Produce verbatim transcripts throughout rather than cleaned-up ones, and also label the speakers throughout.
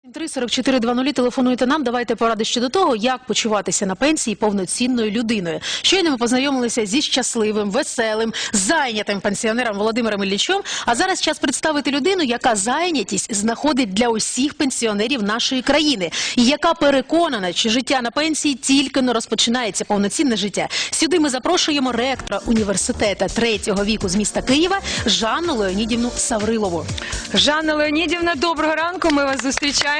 Speaker 1: три сорок чотири двадцять телефонуйте нам, давайте поради щодо того, як почуватися на пенсії повноцінною людиною. Щойно ми познайомилися зі щасливим, веселим, зайнятим пенсіонером Володимиром Іллічем, а зараз час представити людину, яка зайнятість знаходить для усіх пенсіонерів нашої країни і яка переконана, що життя на пенсії тільки не розпочинається, повноцінне життя. Сюди ми запрошуємо ректора університету третього віку з міста Києва Жанну Леонідівну Саврилову.
Speaker 2: Жанна Леонідівна, доброго ранку, ми вас зустрічаємо.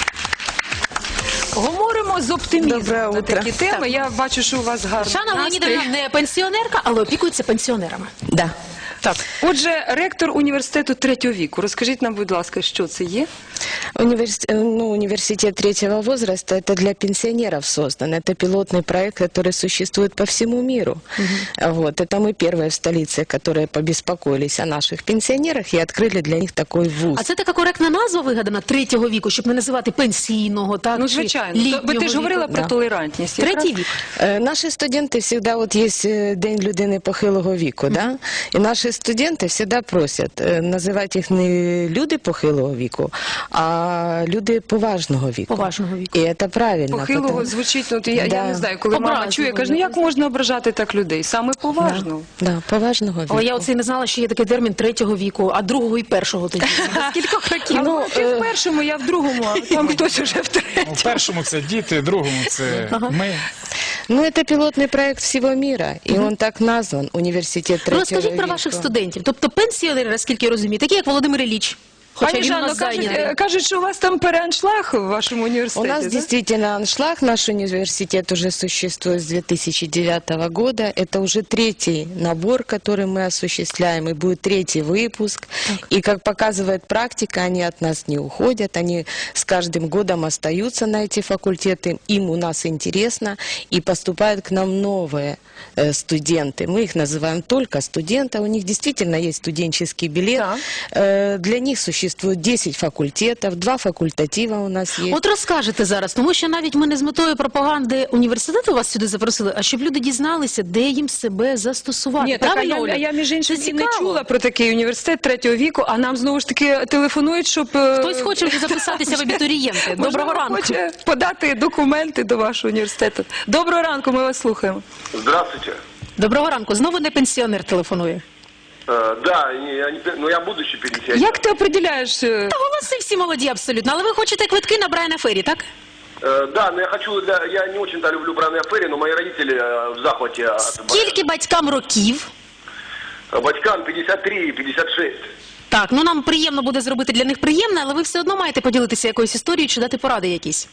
Speaker 2: Говоримо з оптимізмом на такі теми.
Speaker 1: Так.
Speaker 2: Я бачу, що у вас гарний
Speaker 1: Жанна
Speaker 2: настрій.
Speaker 1: Леонідівна не пенсіонерка, але опікується пенсіонерами.
Speaker 3: Да.
Speaker 2: Так. Отже, ректор університету третього віку. Розкажіть нам, будь ласка, що це є?
Speaker 3: Универс... ну, университет третьего возраста – это для пенсионеров создан. Это пилотный проект, который существует по всему миру. Угу. Вот. Это мы первые в столице, которые побеспокоились о наших пенсионерах и открыли для них такой вуз.
Speaker 1: А це така коректна назва вигадана третього віку, щоб не називати пенсійного, так?
Speaker 2: Ну,
Speaker 1: чи
Speaker 2: звичайно.
Speaker 1: літнього
Speaker 2: Бо ти ж говорила
Speaker 1: віку.
Speaker 2: про
Speaker 3: Да.
Speaker 2: толерантність.
Speaker 1: Третій вік.
Speaker 3: Е, Наші студенти завжди, от є е, День людини похилого віку, да? І наші студенти завжди просять е, називати їх не люди похилого віку, а люди поважного віку.
Speaker 1: Поважного віку.
Speaker 3: І це правильно.
Speaker 2: Похилого
Speaker 3: потому-
Speaker 2: звучить, ну, я, я
Speaker 3: Да.
Speaker 2: не знаю, коли мама
Speaker 1: Образливо,
Speaker 2: чує, каже, ну як можна ображати так людей? Саме поважно.
Speaker 3: Да, да, поважного віку.
Speaker 1: Але я оце і не знала, що є такий термін третього віку, а другого і першого тоді. З кількох років.
Speaker 2: Ну, ти в першому, я в другому, а там хтось уже в третьому.
Speaker 4: У першому це діти, в другому це ми.
Speaker 3: Ну, это пилотный проект всего мира, и он так назван, университет
Speaker 1: Ну,
Speaker 3: третьего
Speaker 1: розкажіть про
Speaker 3: века.
Speaker 1: ваших студентів. Тобто пенсіонери, наскільки я розумію, такі як Володимир Ілліч. Хоча
Speaker 2: Пані
Speaker 1: він у
Speaker 2: Жанно,
Speaker 1: нас
Speaker 2: кажуть,
Speaker 1: зайнятий.
Speaker 2: е, кажуть, що у вас там переаншлаг в вашому
Speaker 3: У
Speaker 2: університеті,
Speaker 3: нас
Speaker 2: да?
Speaker 3: действительно аншлаг, наш университет уже существует с две тысячи девятого года. Это уже третий набор, который мы осуществляем, и будет третий выпуск. И, как показывает практика, они от нас не уходят, они с каждым годом остаются на эти факультеты, им у нас интересно, и поступают к нам новые э, студенты. Мы их называем только студенты, у них действительно есть студенческий билет.
Speaker 2: Так.
Speaker 3: Э, Для них существует десять факультетов, два факультатива у нас есть.
Speaker 1: От розкажете зараз, тому що навіть ми не з метою пропаганди університету вас сюди запросили, а щоб люди дізналися, де їм себе застосувати.
Speaker 2: Ні, так, а
Speaker 1: Правильно,
Speaker 2: я,
Speaker 1: Оля?
Speaker 2: а я між іншим
Speaker 1: Це
Speaker 2: і не
Speaker 1: цікаво.
Speaker 2: чула про такий університет третього віку, а нам знову ж таки телефонують, щоб... е,
Speaker 1: Хтось хоче вже записатися в абітурієнти. Доброго
Speaker 2: можливо,
Speaker 1: ранку.
Speaker 2: хоче подати документи до вашого університету. Доброго ранку, ми вас слухаємо.
Speaker 5: Здравствуйте.
Speaker 1: Доброго ранку. Знову не пенсіонер телефонує.
Speaker 5: Э, да, я, не, ну я будущий пенсионер.
Speaker 2: Як ти определяєш... е,
Speaker 1: Та голоси всі молоді абсолютно, але ви хочете квитки на Брайана Феррі, так?
Speaker 5: Э, да, но я хочу, для, я не очень-то люблю Брайана Ферри, но мои родители э, в захвате от
Speaker 1: Скільки батькам років?
Speaker 5: Брайана. Батькам пятьдесят три и пятьдесят шесть.
Speaker 1: Так, ну нам приємно буде зробити для них приємне, але ви все одно маєте поділитися якоюсь історією чи дати поради якісь.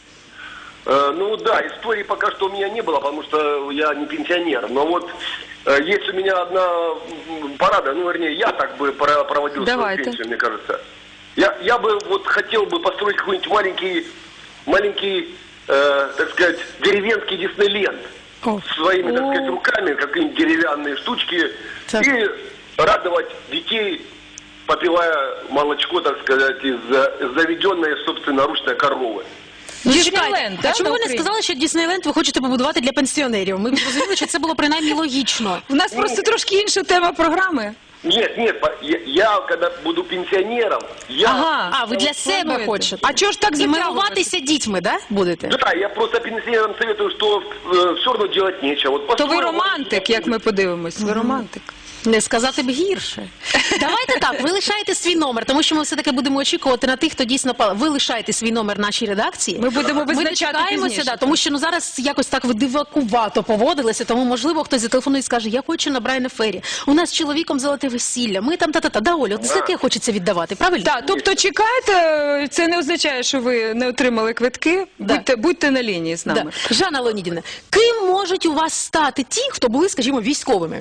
Speaker 5: Э, ну да, истории пока что у меня не было, потому что я не пенсионер. Но вот э, есть у меня одна м, порада, ну вернее, я так бы про- проводил
Speaker 2: Давайте.
Speaker 5: свою пенсию, мне кажется. Я, я бы вот хотел бы построить какой-нибудь маленький, маленький, э, так сказать, деревенский Диснейленд.
Speaker 2: О.
Speaker 5: Своими, так
Speaker 2: О.
Speaker 5: сказать, руками, какие-нибудь деревянные штучки,
Speaker 1: Так.
Speaker 5: и радовать детей, попивая молочко, так сказать, из э, заведенной собственноручной коровы.
Speaker 1: Ну,
Speaker 2: Діснейленд,
Speaker 1: чекайте,
Speaker 2: да,
Speaker 1: а чому
Speaker 2: на
Speaker 1: ви не
Speaker 2: Україні?
Speaker 1: сказали, що Діснейленд ви хочете побудувати для пенсіонерів? Ми б розуміли, що це було принаймні логічно.
Speaker 2: У нас просто трошки інша тема програми.
Speaker 5: Нет, нет, по- я, я когда буду пенсионером, я...
Speaker 2: Ага.
Speaker 1: А, ви для себе
Speaker 2: плануєте.
Speaker 1: хочете.
Speaker 2: А чого ж так
Speaker 1: І
Speaker 2: затягувати?
Speaker 1: милуватися дітьми, да, будете?
Speaker 5: Да, я просто пенсионерам советую, что все равно делать нечего. Вот
Speaker 2: То ви
Speaker 5: построил-
Speaker 2: романтик, як ми подивимось. Ви романтик.
Speaker 1: Не сказати б гірше. Давайте так, ви лишаєте свій номер, тому що ми все-таки будемо очікувати на тих, хто дійсно пал. Ви лишаєте свій номер нашій редакції.
Speaker 2: Ми будемо
Speaker 1: Ми
Speaker 2: визначати
Speaker 1: дочекаємося,
Speaker 2: пізніше.
Speaker 1: да, тому що ну, зараз якось так ви дивакувато поводилися, тому, можливо, хтось зателефонує і скаже, я хочу на Брайана Феррі. У нас з чоловіком золоте весілля, ми там та-та-та. Да, Оля, от за таке хочеться віддавати, правильно?
Speaker 2: Так, тобто чекайте, це не означає, що ви не отримали квитки.
Speaker 1: Да.
Speaker 2: Будьте, будьте на лінії з
Speaker 1: Да.
Speaker 2: нами.
Speaker 1: Жанна Леонідівна, ким можуть у вас стати ті, хто були, скажімо, військовими?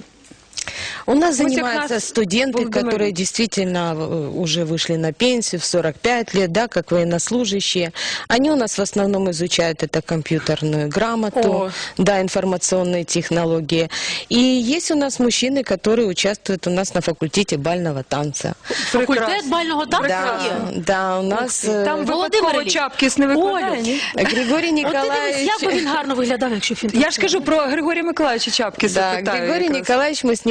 Speaker 3: У нас
Speaker 2: Вот
Speaker 3: занимаются
Speaker 2: как раз
Speaker 3: студенты,
Speaker 2: Володимир.
Speaker 3: которые действительно э, уже вышли на пенсию в сорок пять лет, да, как военнослужащие. Они у нас в основном изучают это компьютерную грамоту,
Speaker 1: О.
Speaker 3: да, информационные технологии. И есть у нас мужчины, которые участвуют у нас на факультете бального танца.
Speaker 1: Факультет бального танцю
Speaker 3: Да,
Speaker 1: є?
Speaker 3: да, у нас э,
Speaker 2: Там
Speaker 1: Володимир
Speaker 2: випадково
Speaker 1: Ілліч.
Speaker 2: Чапкіс не викладає,
Speaker 1: Олю.
Speaker 2: ні?
Speaker 3: Григорий
Speaker 1: От ти дивись,
Speaker 3: Николаевич...
Speaker 1: як би він гарно виглядав, якщо б він
Speaker 2: Я ж кажу про Григорія Миколаївича Чапкіса.
Speaker 3: Да,
Speaker 2: питаю
Speaker 3: Григорий
Speaker 2: якраз.
Speaker 3: Николаевич, мы с ним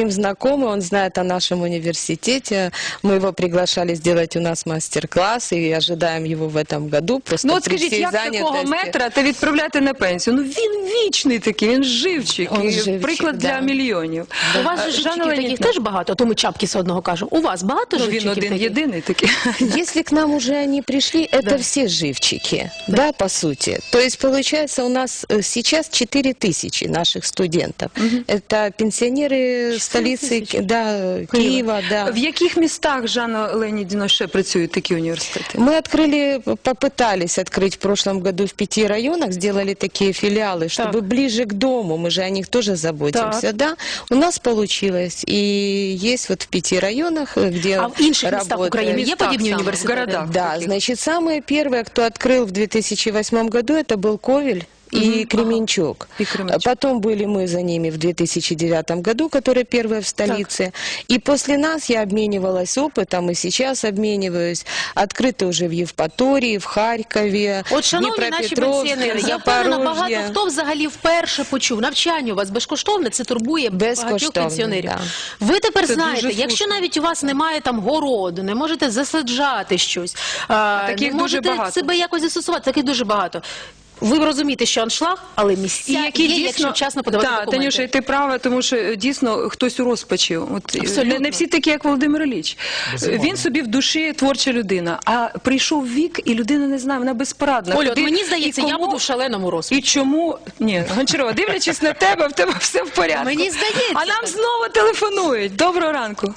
Speaker 3: ним знакомы, он знает о нашем университете. Мы его приглашали сделать у нас мастер-класс и ожидаем его в этом году. Просто
Speaker 2: Ну от
Speaker 3: при
Speaker 2: скажіть,
Speaker 3: всей
Speaker 2: як такого
Speaker 3: занятости.
Speaker 2: метра та відправляти на пенсію? Ну він вічний такий, він живчик,
Speaker 3: Он
Speaker 2: і
Speaker 3: живчик,
Speaker 2: приклад
Speaker 3: да.
Speaker 2: для мільйонів.
Speaker 1: У вас же
Speaker 2: Жанна
Speaker 1: живчиків таких
Speaker 2: Леонідівна,
Speaker 1: теж багато, то ми чапки з одного кажемо. У вас багато
Speaker 2: ну,
Speaker 1: живчиків
Speaker 2: він один
Speaker 1: таких?
Speaker 2: єдиний такий.
Speaker 3: Если к нам уже они пришли, это все живчики, да. по сути. То есть, получается, у нас э, сейчас четыре тысячи наших студентов. Это пенсионеры столицы
Speaker 1: тысячи?
Speaker 3: да, Киева, да.
Speaker 2: В яких містах, Жанна Леонідівна, ще працюють такі університети?
Speaker 3: Мы открыли, попытались открыть в прошлом году в пяти районах, сделали такие филиалы, чтобы
Speaker 1: Так.
Speaker 3: ближе к дому, мы же о них тоже заботимся,
Speaker 1: Так.
Speaker 3: да. У нас получилось, и есть вот в пяти районах, э, где
Speaker 1: А в інших містах
Speaker 3: работает.
Speaker 1: України є
Speaker 2: Містах
Speaker 1: подібні
Speaker 2: саме, в
Speaker 1: університети?
Speaker 2: городах.
Speaker 3: Да,
Speaker 2: таких.
Speaker 3: значит, самые первые, кто открыл в две тысячи восьмом году, это был Ковель и Кременчуг.
Speaker 2: И Кременчуг.
Speaker 3: Потом были мы за ними в две тысячи девятом году, которые первые в столице. И после нас я обменивалась опытом, и сейчас обмениваюсь. Открыты уже в Евпатории, в Харькове,
Speaker 1: От, шановні наші пенсіонери, я впевнена, багато
Speaker 3: Запорожье.
Speaker 1: хто взагалі вперше почув. Навчання у вас безкоштовне, це турбує багатьох
Speaker 3: Безкоштовне,
Speaker 1: пенсіонерів.
Speaker 3: да.
Speaker 1: Ви тепер
Speaker 2: Це
Speaker 1: знаєте,
Speaker 2: дуже
Speaker 1: якщо
Speaker 2: слушно.
Speaker 1: навіть у вас немає там городу, не можете засаджати щось, а,
Speaker 2: таких
Speaker 1: не
Speaker 2: дуже
Speaker 1: можете
Speaker 2: багато.
Speaker 1: себе якось застосувати, таких дуже багато. Ви розумієте, що аншлаг, але місця є, якщо вчасно подавати
Speaker 2: Так,
Speaker 1: документи.
Speaker 2: Танюша, і ти права, тому що е, дійсно хтось у розпачі. От, е,
Speaker 1: Абсолютно.
Speaker 2: не, не всі такі, як Володимир Ілліч.
Speaker 4: Безумовно.
Speaker 2: Він собі в душі творча людина, а прийшов вік, і людина не знає, вона безпорадна.
Speaker 1: Олю, от
Speaker 2: Куди-
Speaker 1: мені здається,
Speaker 2: і
Speaker 1: я
Speaker 2: кому-
Speaker 1: буду в шаленому розпачі.
Speaker 2: І чому? Ні, Гончарова, дивлячись на тебе, в тебе все в порядку.
Speaker 1: Мені здається,
Speaker 2: А нам
Speaker 1: так.
Speaker 2: знову телефонують. Доброго ранку.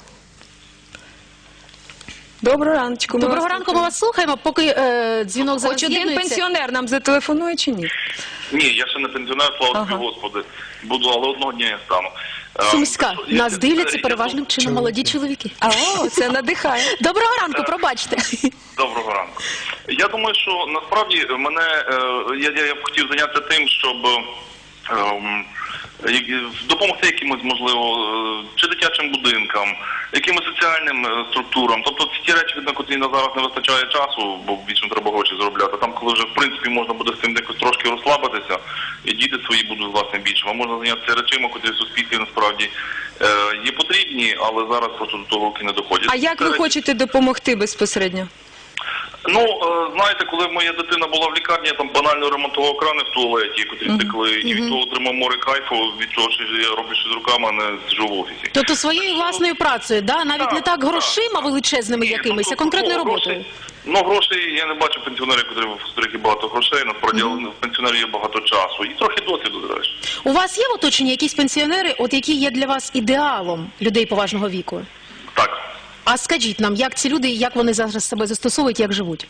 Speaker 2: Доброго раночку. ми
Speaker 1: Доброго
Speaker 2: вас
Speaker 1: ранку, ми
Speaker 2: слухаємо.
Speaker 1: вас слухаємо, поки е, дзвінок зараз
Speaker 2: Хоч один
Speaker 1: з'єднується.
Speaker 2: пенсіонер нам зателефонує чи ні?
Speaker 6: Ні, я ще не пенсіонер, слава
Speaker 2: Ага.
Speaker 6: тобі, Господи. Буду, але одного дня я стану. Е,
Speaker 1: Сумська.
Speaker 6: я-
Speaker 1: Нас дивляться
Speaker 6: я-
Speaker 1: переважним чином молоді чоловіки.
Speaker 2: А, о, це надихає.
Speaker 1: Доброго ранку, пробачте.
Speaker 6: Доброго ранку. Я думаю, що насправді мене, е, я, я, я б хотів зайнятися тим, щоб ем, як- допомогти якимось, можливо, е, чи дитячим будинкам, якимось соціальним е, структурам. Тобто це ті речі, на котрі на зараз не вистачає часу, бо більше треба гроші заробляти. Там, коли вже, в принципі, можна буде з цим якось трошки розслабитися, і діти свої будуть, власне, більше. А можна зайнятися речами, котрі в суспільстві насправді е, є потрібні, але зараз просто до того руки не доходять.
Speaker 2: А як
Speaker 6: Це
Speaker 2: ви
Speaker 6: речі-
Speaker 2: хочете допомогти безпосередньо?
Speaker 6: Ну, е, знаєте, коли моя дитина була в лікарні, я там банально ремонтував крани в туалеті, котрі стекли, і від того отримав море кайфу, від того, що я роблю щось руками, а не сиджу в офісі.
Speaker 1: Тобто своєю власною працею, да? навіть
Speaker 6: Так,
Speaker 1: не так
Speaker 6: так,
Speaker 1: грошима величезними
Speaker 6: Ні,
Speaker 1: якимись,
Speaker 6: ну,
Speaker 1: а конкретною
Speaker 6: ну,
Speaker 1: роботою.
Speaker 6: грошей- Ну, грошей я не бачу пенсіонерів, котрі в котрих є багато грошей, насправді, але в пенсіонерів є багато часу. І трохи досвіду, до речі.
Speaker 1: У вас є в оточенні якісь пенсіонери, от які є для вас ідеалом людей поважного віку?
Speaker 6: Так.
Speaker 1: А скажіть нам, як ці люди, як вони зараз себе застосовують, як живуть?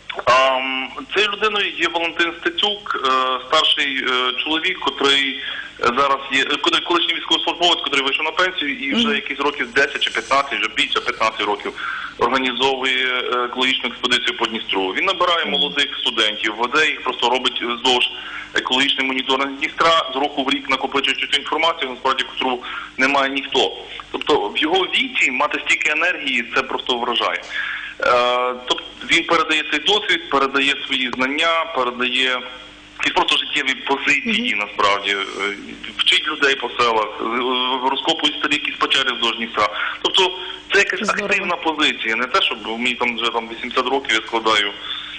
Speaker 6: Ам, Цією людиною є Валентин Стецюк, е, старший е, чоловік, котрий е, зараз є, е, коли- колишній військовослужбовець, котрий вийшов на пенсію і вже якісь років десять чи п'ятнадцять, вже більше п'ятнадцять років, організовує е, екологічну експедицію по Дністру. Він набирає молодих студентів, веде їх, просто робить вздовж екологічний моніторинг Дністра, з року в рік накопичуючи цю інформацію, насправді, котру не має ніхто. Тобто в його віці мати стільки енергії, це просто вражає. Е, Тобто він передає цей досвід, передає свої знання, передає якісь просто життєві позиції, насправді, Е, вчить людей по селах, е, розкопують старі якісь печери вздовж Дністра. Тобто це якась
Speaker 1: Здорово.
Speaker 6: активна позиція, не те, щоб мені там вже там вісімдесят років я складаю.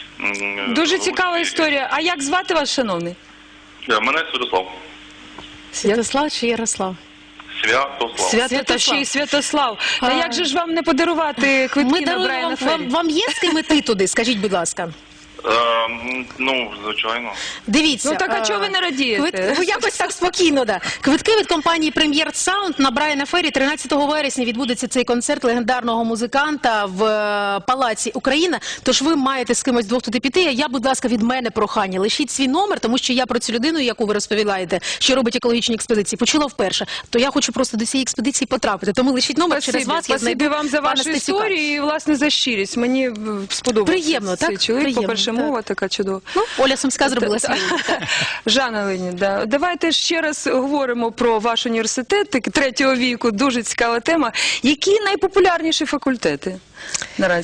Speaker 6: м,
Speaker 2: Дуже
Speaker 6: е,
Speaker 2: цікава
Speaker 6: ці-
Speaker 2: історія. А як звати вас, шановний?
Speaker 6: Е, Мене Святослав.
Speaker 1: Святослав чи Ярослав?
Speaker 6: Святослав.
Speaker 2: Свято, та ще й Святослав. Та
Speaker 1: А.
Speaker 2: як же ж вам не подарувати квитки
Speaker 1: Ми
Speaker 2: на
Speaker 1: даруємо
Speaker 2: Брайана
Speaker 1: вам,
Speaker 2: Феррі?
Speaker 1: вам, вам є з ким іти туди, скажіть, будь ласка.
Speaker 6: Е, м, Ну, звичайно.
Speaker 1: Дивіться.
Speaker 2: Ну, так, а
Speaker 1: е,
Speaker 2: чого ви не радієте?
Speaker 1: квит- Ви якось так спокійно, да. Квитки від компанії Прем'єр Саунд на Брайана Феррі тринадцятого вересня відбудеться цей концерт легендарного музиканта в е, Палаці Україна. Тож ви маєте з кимось двох туди піти. А я, будь ласка, від мене прохання. Лишіть свій номер, тому що я про цю людину, яку ви розповідаєте, що робить екологічні експедиції, почула вперше. То я хочу просто до цієї експедиції потрапити. Тому лишіть номер через
Speaker 2: Спасибі,
Speaker 1: вас. Я
Speaker 2: спасибі
Speaker 1: знайду
Speaker 2: вам за
Speaker 1: пана
Speaker 2: вашу
Speaker 1: Стецюка.
Speaker 2: історію і, власне, за щирість. Мені е, сподобався
Speaker 1: Приємно,
Speaker 2: цей
Speaker 1: так?
Speaker 2: чоловік.
Speaker 1: Приємно,
Speaker 2: По-перше,
Speaker 1: так.
Speaker 2: мова така чудова.
Speaker 1: Ну, Оля Сумська зробила
Speaker 2: Та-
Speaker 1: свій.
Speaker 2: Жанна Леонідівна, давайте ще раз говоримо про ваш університет, так, третього віку, дуже цікава тема. Які найпопулярніші факультети наразі?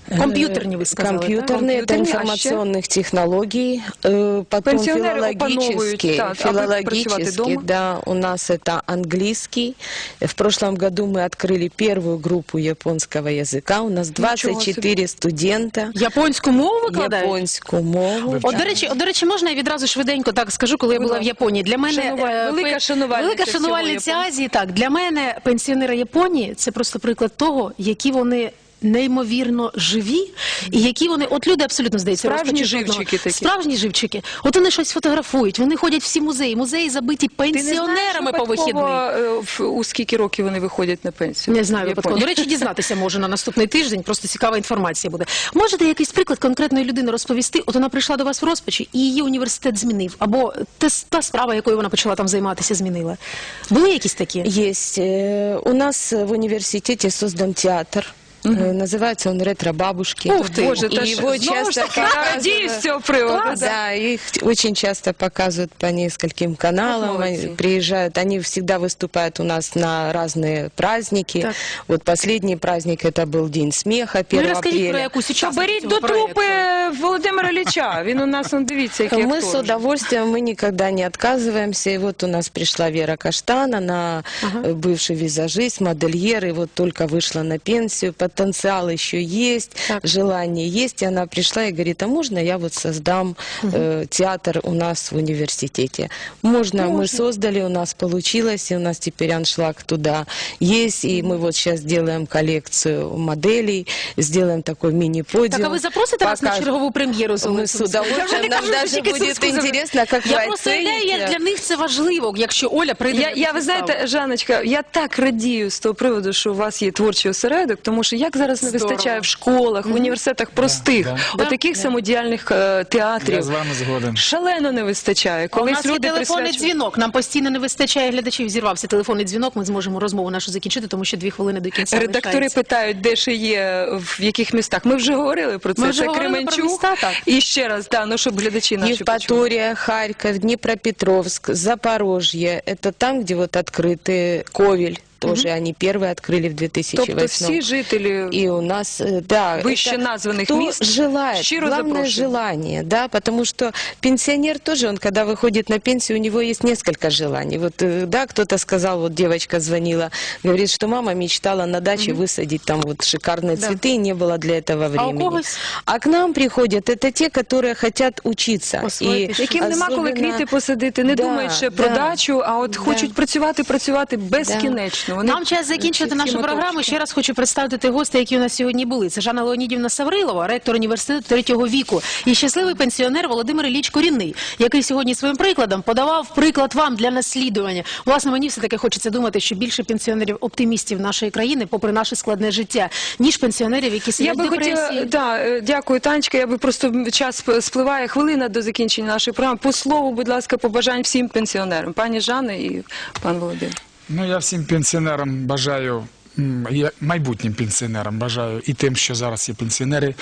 Speaker 1: Комп'ютерні, ви сказали, так?
Speaker 3: Компьютерные, это
Speaker 2: Компьютерные, а ще?
Speaker 3: информационных технологий, э, потом
Speaker 2: Пенсіонери
Speaker 3: филологические,
Speaker 2: опановують, так, аби працювати
Speaker 3: филологические,
Speaker 2: дома.
Speaker 3: да, у нас это английский. В прошлом году мы открыли первую группу японского языка, у нас двадцать четыре студента.
Speaker 1: Японську мову викладають?
Speaker 3: Японську мову.
Speaker 1: От, до речі, от, до речі, можна я відразу швиденько так скажу, коли я була в Японії. Для мене
Speaker 2: Шанува-
Speaker 1: е,
Speaker 2: велика
Speaker 1: пе-
Speaker 2: шанувальниця
Speaker 1: велика
Speaker 2: всього
Speaker 1: шанувальниця
Speaker 2: Японії.
Speaker 1: Азії. Так, для мене пенсіонери Японії це просто приклад того, які вони неймовірно живі, і які вони, от люди абсолютно здається,
Speaker 2: Справжні
Speaker 1: розпачі жодного.
Speaker 2: живчики такі.
Speaker 1: Справжні живчики. От вони щось фотографують, вони ходять всі музеї, музеї забиті пенсіонерами по вихідних.
Speaker 2: випадково, е, в- у скільки років вони виходять на пенсію?
Speaker 1: Не знаю
Speaker 2: В
Speaker 1: випадково. До
Speaker 2: Японії?
Speaker 1: речі, дізнатися можу на наступний тиждень, просто цікава інформація буде. Можете якийсь приклад конкретної людини розповісти? От вона прийшла до вас в розпачі, і її університет змінив, або те- та справа, якою вона почала там займатися, змінила. Були якісь такі?
Speaker 3: Есть. Э, У нас в университете создан театр. Э, Называется он «Ретро-бабушки».
Speaker 1: Ух ты!
Speaker 2: Боже,
Speaker 3: И
Speaker 2: та ж,
Speaker 3: его
Speaker 2: знову
Speaker 3: часто
Speaker 2: ж таки, радію з цього приводу.
Speaker 3: Да, да, их очень часто показывают по нескольким каналам.
Speaker 2: Как
Speaker 3: Они
Speaker 2: молодцы.
Speaker 3: приезжают, они всегда выступают у нас на разные праздники.
Speaker 1: Так.
Speaker 3: Вот последний праздник это был День смеха,
Speaker 1: Ну,
Speaker 3: первого
Speaker 1: розкажіть про
Speaker 3: апреля.
Speaker 1: якусь
Speaker 2: То
Speaker 1: учасницю
Speaker 2: беріть
Speaker 1: цього
Speaker 2: до
Speaker 1: проєкту.
Speaker 2: трупи Володимира Ілліча. Він у нас, он, дивіться, який
Speaker 3: Мы
Speaker 2: актор
Speaker 3: с
Speaker 2: вже.
Speaker 3: удовольствием, мы никогда не отказываемся. И вот у нас пришла Вера Каштан, она э, бывший визажист, модельер, и вот только вышла на пенсию. Потенциал еще есть,
Speaker 1: Так.
Speaker 3: желание есть. И она пришла и говорит, а можно я вот создам э, театр у нас в университете? Можно, мы создали, у нас получилось, и у нас теперь аншлаг туда есть. И мы вот сейчас делаем коллекцию моделей, сделаем такой мини-подиум.
Speaker 1: Так, а ви запросите нас на
Speaker 3: Покажем.
Speaker 1: чергову прем'єру з
Speaker 3: Мы
Speaker 1: Олесем?
Speaker 3: с удовольствием. Нам даже будет интересно, как вы
Speaker 1: Я просто уявляю, як
Speaker 3: оцените.
Speaker 1: для них це важливо, якщо Оля прийде
Speaker 2: Я,
Speaker 1: на
Speaker 2: я,
Speaker 1: цю
Speaker 2: ви
Speaker 1: виставу.
Speaker 2: знаєте, Жанночка, я так радію з того приводу, що у вас є творчий осередок, тому що як зараз не
Speaker 1: Здорово.
Speaker 2: вистачає в школах, в університетах простих,
Speaker 4: да.
Speaker 2: отаких самодіяльних е, театрів.
Speaker 4: Я з вами згоден.
Speaker 2: Шалено не вистачає.
Speaker 1: А у
Speaker 2: Колись
Speaker 1: нас є
Speaker 2: люди
Speaker 1: телефонний
Speaker 2: присвячують-
Speaker 1: дзвінок. Нам постійно не вистачає глядачів. Зірвався телефонний дзвінок. Ми зможемо розмову нашу закінчити, тому що дві хвилини до кінця
Speaker 2: Редактори
Speaker 1: лишається.
Speaker 2: питають, де ще є, в яких містах. Ми вже говорили про це.
Speaker 1: Ми вже
Speaker 2: це
Speaker 1: говорили про
Speaker 2: Кременчук.
Speaker 1: міста, так.
Speaker 2: І ще раз, да, ну, щоб глядачі наші почули.
Speaker 3: Евпатория, Харьков, Днепропетровск, Запорожье. Это там, где вот открыты Ковель. Тоже они первые открыли в две тысячи восьмом.
Speaker 2: Тобто всі жителі
Speaker 3: И у нас, э, да,
Speaker 2: Выше
Speaker 3: это
Speaker 2: названных
Speaker 3: кто
Speaker 2: мест
Speaker 3: желает,
Speaker 2: щиро
Speaker 3: главное
Speaker 2: запрошуем.
Speaker 3: желание, да, потому что пенсионер тоже, он когда выходит на пенсию, у него есть несколько желаний. Вот, э, да, кто-то сказал, вот девочка звонила, говорит, что мама мечтала на даче высадить там вот шикарные цветы, и не было для этого времени.
Speaker 1: когось?
Speaker 3: А к нам приходят, это те, которые хотят учиться.
Speaker 1: Освоїти
Speaker 2: яким нема коли
Speaker 3: особенно-
Speaker 2: квіти посадити, не
Speaker 3: Да,
Speaker 2: думають ще
Speaker 3: да.
Speaker 2: про дачу, а от
Speaker 3: Да.
Speaker 2: хочуть працювати, працювати безкінечно. Вони
Speaker 1: Нам час закінчити
Speaker 2: всі
Speaker 1: нашу
Speaker 2: моточки.
Speaker 1: програму. Ще раз хочу представити тих гостей, які у нас сьогодні були. Це Жанна Леонідівна Саврилова, ректор університету третього віку, і щасливий пенсіонер Володимир Ілліч Корінний, який сьогодні своїм прикладом подавав приклад вам для наслідування. Власне, мені все-таки хочеться думати, що більше пенсіонерів-оптимістів нашої країни, попри наше складне життя, ніж пенсіонерів, які
Speaker 2: Я
Speaker 1: сидять в
Speaker 2: би хотіла,
Speaker 1: депресії.
Speaker 2: да, е, дякую, Танечка. Я би просто час сп- спливає хвилина до закінчення нашої програми. По слову, будь ласка, побажань всім пенсіонерам, пані Жанни і пан Володимир.
Speaker 4: Ну, я всім пенсіонерам бажаю, м, я майбутнім пенсіонерам бажаю і тим, що зараз є пенсіонери,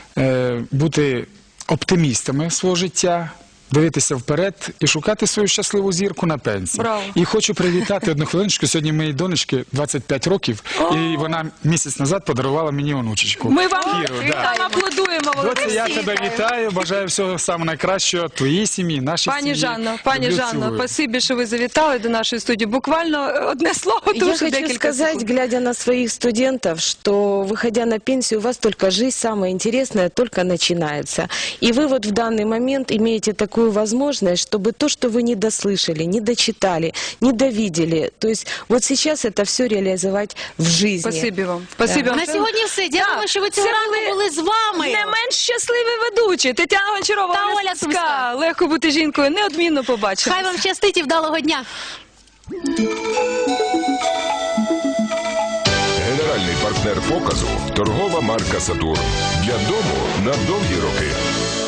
Speaker 4: е, бути оптимістами свого життя, дивитися вперед і шукати свою щасливу зірку на пенсії.
Speaker 2: Браво.
Speaker 4: І хочу привітати одну хвилиночку. Сьогодні моїй донечці двадцять п'ять років, і вона місяць назад подарувала мені онучечку.
Speaker 2: Ми вам,
Speaker 4: Кіру,
Speaker 2: ми
Speaker 4: да.
Speaker 2: вам аплодуємо, Володимир.
Speaker 4: Доці, я тебе вітаю, бажаю всього самого найкращого твоїй сім'ї, нашій
Speaker 2: Пані
Speaker 4: сім'ї.
Speaker 2: Жанно, пані
Speaker 4: Люблю,
Speaker 2: Жанно,
Speaker 4: цілую.
Speaker 2: спасибі, що ви завітали до нашої студії. Буквально одне слово,
Speaker 3: Я
Speaker 2: тому що
Speaker 3: хочу
Speaker 2: декілька
Speaker 3: сказать,
Speaker 2: секунд.
Speaker 3: глядя на своих студентов, что, выходя на пенсию, у вас только жизнь самая интересная только начинается. И вы вот в данный момент имеете такую возможность, чтобы то, что вы не дослышали, не дочитали, не довидели, то есть вот сейчас это все реализовать в жизни.
Speaker 2: Спасибі вам. Спасибі вам.
Speaker 1: На сьогодні все. Дякую,
Speaker 2: Так,
Speaker 1: що ви цього
Speaker 2: це
Speaker 1: ранку
Speaker 2: були
Speaker 1: були з вами.
Speaker 2: Не менш щасливі ведучі. Тетяна Гончарова,
Speaker 1: Та
Speaker 2: Оля
Speaker 1: Оля
Speaker 2: Сумська.
Speaker 1: Сумська.
Speaker 2: Легко бути жінкою. Неодмінно побачимо.
Speaker 1: Хай вам щастить і вдалого дня.
Speaker 7: Генеральний партнер показу – торгова марка «Сатурн». Для дому на довгі роки.